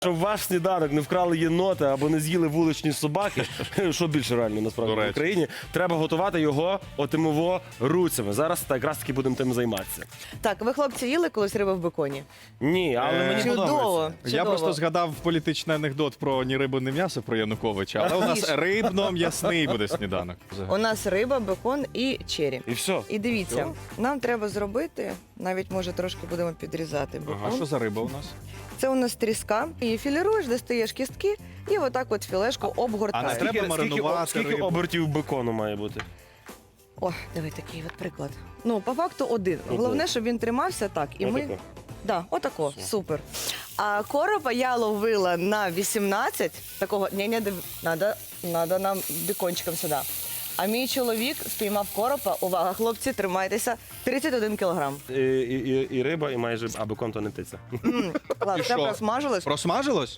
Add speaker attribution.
Speaker 1: Щоб ваш сніданок не вкрали єноти або не з'їли вуличні собаки, що більше реально насправді в Україні, треба готувати його отимово руцями. Зараз якраз таки будемо тим займатися.
Speaker 2: Так, ви, хлопці, їли колись риби в беконі?
Speaker 1: Ні, але мені
Speaker 2: Чудово.
Speaker 1: подобається.
Speaker 3: Я
Speaker 2: чудово.
Speaker 3: просто згадав політичний анекдот про ні рибу, ні м'ясо про Януковича, але у нас рибно-м'ясний буде сніданок.
Speaker 2: У нас риба, бекон і чері.
Speaker 1: І все.
Speaker 2: І дивіться, нам треба зробити, навіть може трошки будемо підрізати
Speaker 3: А
Speaker 2: бекон.
Speaker 3: що за риба у нас?
Speaker 2: Це у нас тріска. Її філіруєш, достаєш кістки і отак от філешку обгортаєш.
Speaker 3: треба маринувати
Speaker 1: скільки
Speaker 3: рибу.
Speaker 1: обертів бекону має бути?
Speaker 2: О, диви, такий от приклад. Ну, по факту один. Головне, щоб він тримався так. І ми...
Speaker 1: Отако.
Speaker 2: Да, отако, супер. А коропа я ловила на 18, такого, ні, надо нам бікончиком сюди. А мій чоловік спіймав коропа, увага, хлопці, тримайтеся, 31 кілограм.
Speaker 1: І риба, і майже, а бекон то не птиця.
Speaker 2: Ладно,
Speaker 3: І
Speaker 2: це
Speaker 3: що?
Speaker 2: просмажилось.
Speaker 3: Просмажилось?